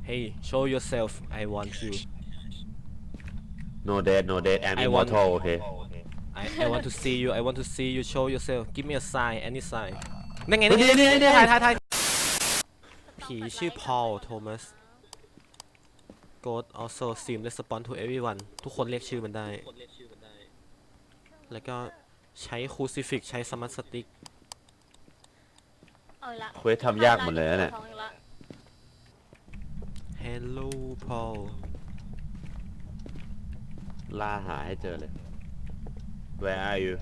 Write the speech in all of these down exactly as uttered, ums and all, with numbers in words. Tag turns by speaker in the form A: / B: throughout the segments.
A: Hey show yourself I want you
B: no dead no dead I'm
A: I want-
B: immortal โอเค
A: I I want to see you I want to see you show yourself give me a sign any sign นั่นไงนั่นไง
B: นี่นี่นี่
A: ถ่ายถ่ายถ่ายผีชื่อ Paul Thomas Ghost also seem respond to everyone ทุกคนเรียกชื่อมันได้แล้วก็ใช้ crucifix ใช้ smart stick
C: เอาละ
B: เควสทำยากหมดเลยนะเนี่ย
A: Hello Paul
B: ล่าหาให้เจอเลย Where are you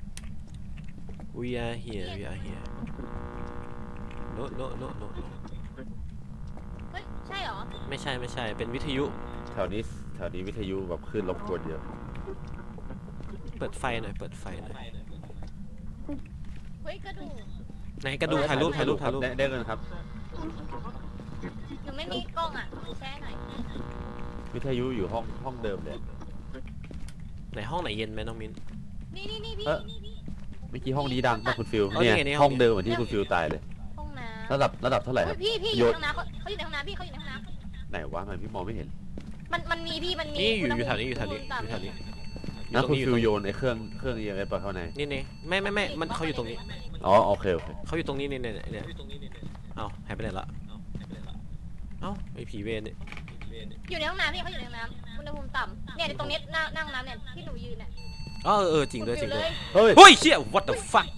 A: We are here we are here no no no no no
C: เฮ้ยใช่เหรอ
A: ไม่ใช่ไม่ใช่เป็นวิทยุ
B: แถวนี้แถวนี้วิทยุแบบขึ้นรบกวนเยอะ
A: เปิดไฟหน่อยเปิดไฟหน่อย
C: เฮ้ยกระดูก
A: ไหนกระดูกถ่ายรูปถ่ายรูปถ่ายรูป
B: ได้ได้เงินครับ
C: หนูไม่มีกล้องอ่ะแช่หน่อย
B: วิทยุอยู่ห้องห้องเดิมเลย
A: ไหนห้องไหนเย็นไหมน้องมิ้น
C: นี่นี่นี่พี่
B: เอ้อ
C: นี่นี่
B: เมื่อกี้ห้องนี้ดังป่ะคุณฟิล
A: อ๋อ
B: เนี่ย
A: นี่ไงนี่ห้
B: ห้
A: อ
B: อง งเดิมเหมือนที่คุณฟิลตายเลย
C: ห้องน้ำ
B: ระดับระดับเท่าไหร่ค
C: เฮ้
B: รั
C: ย
B: บ
C: พี่พี่อ
B: โย
C: ยู่
B: น
C: ในห้องน้ำเขาเขาอยู่ในห้องน้ำพี่เขาอยู่ในห้องน้ำ
B: ไหนวะมันพี่มองไม่เห็น
C: มันมันมีพี่มันมี
A: นี่อยู่
C: ณ
A: อยู่แถวนี้
C: ภู
A: อยู่แถวนี้
C: ณ
A: อ
C: ต่ำ
A: ยู่แถวนี้
B: นะคุณ
A: อยู่
B: ฟิ
A: ต
B: ล
A: รงนี้
B: โยนไอ้เครื่องเครื่อง อี เอ็ม เอส ไปเข้าใน
A: นี่นี่ไม่ไม่ไม่มันเขาอยู่ตรงนี้
B: อ๋อโอเคโอเค
A: เขาอยู่ตรงนี้นี่เนี่ยเนี่ยเอ้าหายไปไหนละเอ้าไอผีเวรเนี่ย
C: อยู่ในห้องน้ำพี่เขาอยู่ในห้องน้ำอุณหภูมิต่ำเนี่ยตรงนี้นั่งนั่งน้ำเนี่ยที่หนูยืนเนี่ย
A: อ๋อเออจริงด้วยจริงด้วย
B: เฮ้ย
A: เฮ้ยเชี่ย what the fuck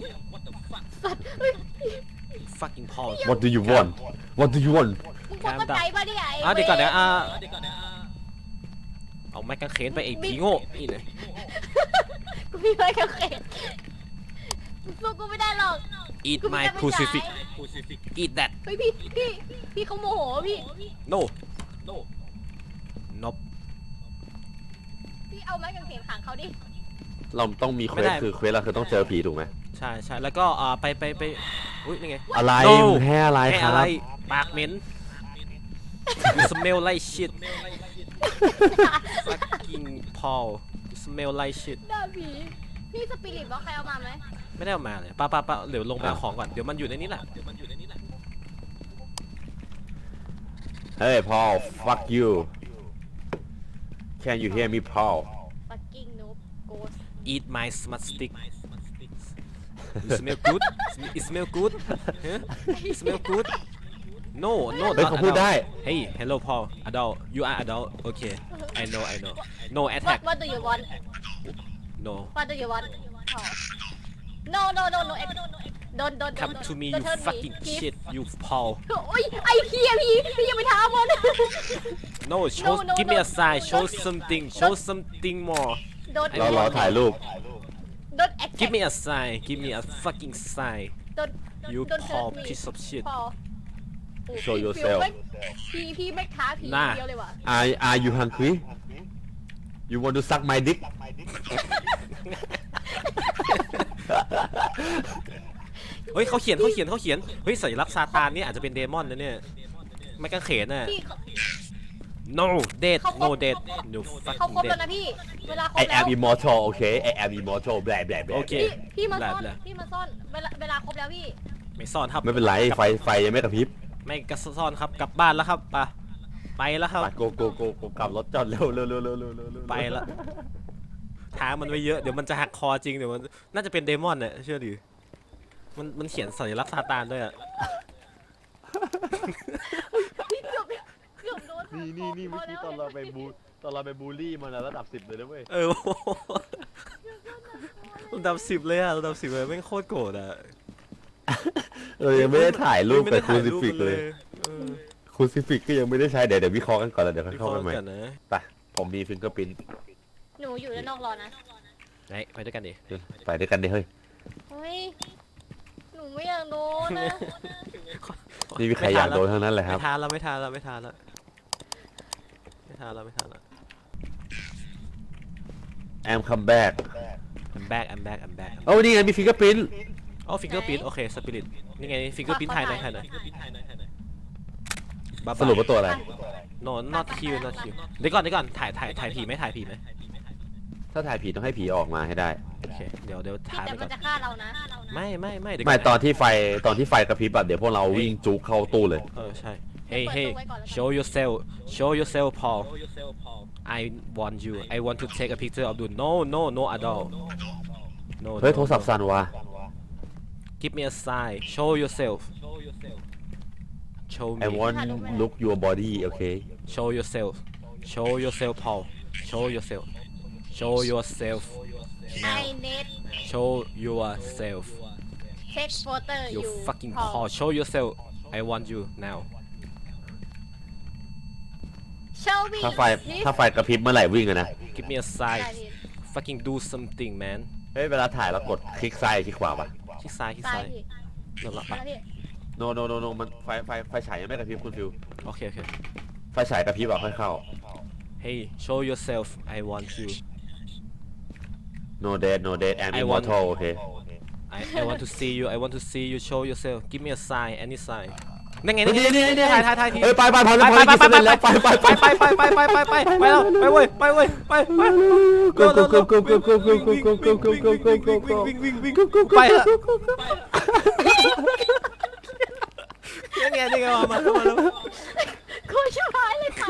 A: fucking Paul
B: What do you want What do you want
C: มึงควรเข้าใจป่ะเนี่ยไอ้
A: อ่ะเดี๋ยวก่อนนะ
C: ว้
A: อ่ะเอาไม้กางเขนไปไอ้ผีโง่นี่เลย
C: กูพี่ไม่เคยสู้กูไม่ได้หรอก
A: eat
C: กูไม่
A: my
C: ได้ไม่
A: crucifix
C: จ่าย
A: eat that
C: เฮ้ยพี่พี่พี่เขาโมโหพี่
A: no nope
C: พี่เอาไม้กางเขนขังเขาดิ
B: เราต้องมีเคว
A: ไม่
B: ส
A: ได้
B: คือเควสเราคือต้องเจอผีถูกไหม
A: ใช่ใช่แล้วก็อ่าไปไปไปอุ้ยนี่ไง
B: อะไร
A: No
B: มึงให้อะไร
A: ให้
B: ครั
A: อะไร
B: บ
A: ปากเหม็น you smell like shit fucking Paul you smell like shit
C: หน้าผีพี่สปิริตบอกใครเอามาไหม
A: ไม่ได้เอามาเลยป้าป้าป้าเดี๋ยวลงไปเอาของก่อนเดี๋ยวมันอยู่ในนี้แหละ
B: เฮ้ย Paul fuck you Can you hear me Paul
C: fucking noob ghost
A: eat my smart stick you smell good it smell good huh? it smell good no no
B: เฮ้ย
A: not
B: เขาพูด
A: adult
B: ได้
A: hey hello Paul adult you are adult okay I know I know no
C: what
A: attack
C: what do you want
A: no
C: what do you want oh. no no no no don't don't
A: come
C: don't
A: to me
C: don't
A: you
C: hurt
A: fucking
C: please.
A: shit you Paul
C: โอ้ยไอ้เฮียพี่พี่อย่าไปท้ามัน
A: no show
C: no,
A: give me
C: no,
A: a sign show
C: don't-
A: something show something more
C: don't
B: เรารอถ่ายรูป
C: don't attack
A: give me a sign give me a fucking sign
C: don't
A: you
C: don't
A: Paul
C: hurt me
A: piece of shit
C: Paul
B: Show
C: พี่
B: yourself
C: พี่พี่ไม่ท้าผี
A: น่า
C: เดียวเลยว่ะ
B: Are Are you hungry You want to suck my dick
A: เฮ้ยเขาเขียนเขาเขียนเขาเขียนเฮ้ยสัญลักษณ์ซาตานเนี่ยอาจจะเป็นเดมอนนะเนี่ยไม่กางเขนน่ะ
C: พี่เขา
A: no dead
C: เขาครบ
A: no dead no
C: เขา
A: fucking
C: ครบแล้ว
A: dead
C: นะพี่เวลาคร
B: I
C: บแล้ว
B: am immortal โอเค I am immortal แบลแบลแบล
A: โอเค
C: พี่พี่มาซ่อน
A: แหละ
C: พี่มาซ่อนเวลาเวลาครบแล้วพี่
A: ไม่ซ่อนครับ
B: ไม่เป็นไรไฟไฟยังไม่กระพริบ
A: ไม่กระซ่อนครับกลับบ้านแล้วครับไปไปแล้วครับ
B: ไปโกโกโกโกกลับรถจอดเร็วเร็วเร็วเร็วเร็วเร็วเร็ว
A: ไปละท้ามันไว้เยอะเดี๋ยวมันจะหักคอจริงเดี๋ยวมันน่าจะเป็นเดมอนเนี่ยเชื่อดิมันมันเขียนสัญลักษณ์ซาตานด้วยอะ
C: พี่เกือบเกือบโดน
B: นี่นี่นี่เมื่อกี้ตอนเราไปบูตอนเราไปบูลลี่มันระดับสิบเลยนะเว้ย
A: เออระดับสิบเลยอะระดับสิบเลยไม่งโคตรโกรธอะ
B: เออยังไม่ได้ถ่ายรูป
A: ไม่
B: แต่
A: ได้
B: คู
A: ถ่าย
B: ซิ
A: รูป
B: ฟิก
A: มัน
B: เลย
A: เออ
B: คูซิฟิกก็ยังไม่ได้ใช้เดี๋ยวเดี๋ยววิเคราะห์กันก่อนแล้วเดี๋ยวค่อย
A: วิเค
B: เข้า
A: ราะ
B: ไป
A: ห์
B: ใหม่
A: กันนะ
B: ไปผมมีฟิงเกอร์พิ้น
C: หนูอยู่ด้านนอกรอนะ
A: ไหนไปด้วยกันดิ
B: ไปด้วยกันดิเฮ้ย
C: เฮ้ยหนูไม่อยากโดนนะ
B: นี่มีใครอยากโดนทั้งนั้นเลยครับ
A: ไม่ทานแล้วไม่ทานแล้วไม่ทานแล้วไม่ทานแล้วไม่ทานแล้ว
B: I'm come back
A: I'm back I'm back I'm back
B: โอ้นี่ไงมีฟิงเกอร์พิ้น
A: อ๋อฟิงเกอร์พิ้นโอเคสปิริตนี่ไงฟิงเกอร์พิ้นถ่ายไหนถ่ายไหนบ้า
B: สรุปว่าตัวอะไร
A: โน not kill not kill เดี๋ยวก่อนเดี๋ยวก่อนถ่ายถ่ายถ่ายผีไหมถ่ายผีไหม
B: ถ้าถ่ายผีต้องให้ผีออกมาให้ได้
A: โอเคเดี๋ยวเดี๋ยว
C: พี่
A: ถ่าย
C: แต่
A: ไป
C: มั
A: ก่อน น
C: จะฆ่าเรานะ
A: ไม่ไม่ไม่เดี๋ยว
B: ไม่
A: ก่
B: ต
A: อ
B: อน นที่ไฟตอนที่ไฟกระพริบอะเดี๋ยวพวกเราวิ่งจุกเข้าตู้เลย
A: เออใช่ Hey
C: เปิด
A: hey
C: ตู้ไว้ก่อนแล้วกัน
A: show yourself show yourself Paul I want you I want to take a picture of you no no no at all no
B: เฮ้ย
A: no,
B: โทรศัพท์
A: no.
B: สั่นว่ะ
A: Give me a sign show yourself show
B: I
A: me
B: want look your body โอเค
A: show yourself show yourself Paul show yourself show yourself
C: I need
A: show yourself
C: take photo
A: you
C: you
A: fucking
C: Paul
A: Paul show yourself I want you now
C: show me
B: ถ้าไฟ
C: please
B: ถ้าไฟกระพริบเมื่อไหร่วิ่งอะนะ
A: give me a
C: ได้
A: sign
C: พี่
A: fucking do something man
B: เฮ้ย เวลาถ่ายเรากดคลิกซ้ายคลิกขวาปะ
A: คลิกซ้ายคลิก
C: ซ้า
A: ซ้าย ย
C: พี่
A: เริ่มละ
C: มาแล้วพี่
B: โนโนโนโนมันไฟไฟไฟฉายยังไม่กระพริบคุณฟิว
A: โอเคโอเค
B: ไฟฉายกระพริบอ่ะค่อยเข้า
A: Hey show yourself I want you
B: no dead no dead and
A: I want-
B: immortal โอเค
A: I I want to see you I want to see you show yourself give me a sign any sign นั่นไง
B: นี่
A: นั่นไง
B: นี่นี่
A: ถ่ายถ่ายถ่ายที
B: เฮ้ยไปไปพอ
A: ไป
B: แล้วพอ
A: ไป
B: แล้ว
A: ไปไป
B: แล้วไปไปไป
A: ไปไปไปไปไปไปไปแล้วไปเว้ยไปเว้ยไปไป
B: go go go go go go go go go go go go go go go
A: วิ่งวิ่งวิ่งวิ่งไปละยังไงยังไงมามามาแล้ว
C: กูชิบหายเลยค่ะ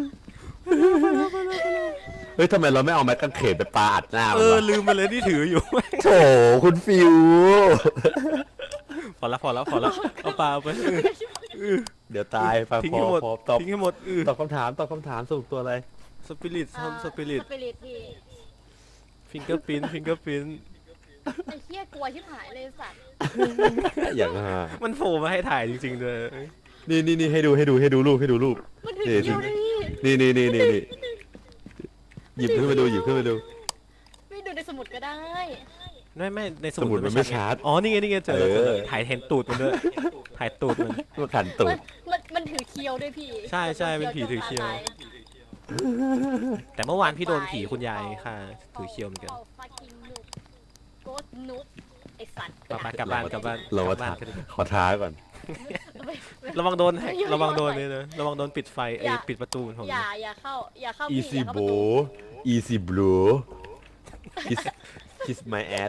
B: เฮ้ยทำไมเราไม่เอาไม้กางเขนไปปาอัดหน้า
A: เอ
B: มัน
A: อ
B: วะ
A: ลืมไปเลยที่ถืออยู่
B: โถคุณฟิว
A: พอแล้วพอแล้วพอแล้วเอาปลาไป
B: เดี๋ยวตายไป
A: ทิ้ง
B: พอ
A: ให้หมด
B: พอตอบ
A: ทิ้งให้หมดเออ
B: ตอบคำถามตอบคำถามสรุปตัวอะไร
A: สปิริตทำสปิริต
C: สปิริตพี่
A: ฟิงเกอร์พินฟิงเกอร์พิน
C: ไอ้เหี้ยกลัวชิบหายเลยสัตว์
B: อย่างฮะ
A: มันโผล่มาให้ถ่ายจริงๆเลย
B: นี่นี่นี่ให้ดูให้ดูให้ดูรูปให้ดูรูป
C: มันถึง
B: นี่
C: คิวเลยพี่
B: นี่นี่นี่นี่นี่หยิบขึ้นมาดูหยิบขึ้นมาดู
C: ไม่ดูในสมุดก็ได้
A: ไม่ไม่ในส
B: สมุ
A: มุ
B: ดมันไม่ชัด
A: อ๋อนี่ไงนี่ไงเจอแล้ว
B: เออ
A: เจอแล้วถ่ายเห็นตูดมันด้วยถ่ายตูดมัน
B: มาขันตู
C: มั
B: ด
C: นมันมันถือเคียวด้วยพี่
A: ใช่ใช่เป็นผีถือเคียว แต่เมื่อวานพี่โดนผีคุณยายค่ะถือเคียวเหมือนกัน
C: เอา fucking noob ghost noob ไอสัตว์
A: ไปไปกลับบ้านกลับบ้าน
B: เรา
A: ก
B: มา
A: ลับบ้า
B: ท้าน
A: กันดีกว่า
B: ขอท้าก่อน
A: ระวังโดนแฮกระวังโดนเลยนะระวังโดนปิดไฟไอ้ปิดประตูของ
C: อย่าอย่าเข้าอย่าเข้าพี่
B: easy
C: อย่าเข้าประ
B: bro
C: ตู
B: easy bro kiss kiss my ass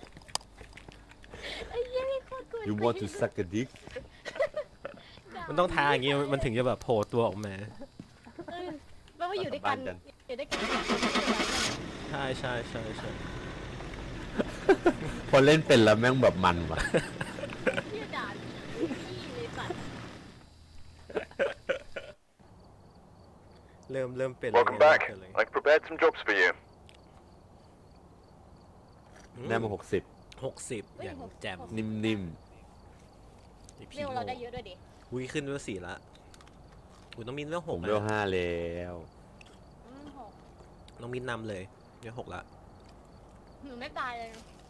C: ไอ้เหี้ยนี่โคตรกลัว
B: you want to suck a dick
A: มันต้องทาอย่างงี้มันถึงจะแบบโผล่ตัวออกมา
C: เออแปลว่าอยู่ด้วยกัน
B: บ้านกัน
C: อยู่ด้วยกัน
A: ใช่ใช่ใช่ใช่
B: พอเล่นเป็นแล้วแม่งแบบมันว่ะ
C: เหี้ยด่าพี่เลยสัตว์
A: เริ่มเริ่มเป็น
D: Welcome
A: เริ่ม
D: back.
A: เป็นเลย
D: I've prepared some jobs for you.
B: ได้มาหกสิบ
A: หกสิบอย่างแจ่ม
B: นิ่ม
A: ไอ้ผี
C: เร็ว
A: โง่
C: เราได้เยอะด้วยดิ
A: อุ้ยขึ้นเรื่องสี่ละอุ้ยน้องมินเรื่อง
B: ๆ
A: ห
B: ผ
A: ก
B: ม
A: นะ
B: เวลห้าแล้ว
C: อืมโห
A: น้องมินนำเลยเรื่องหกละ
C: หนูไม่ตายเลย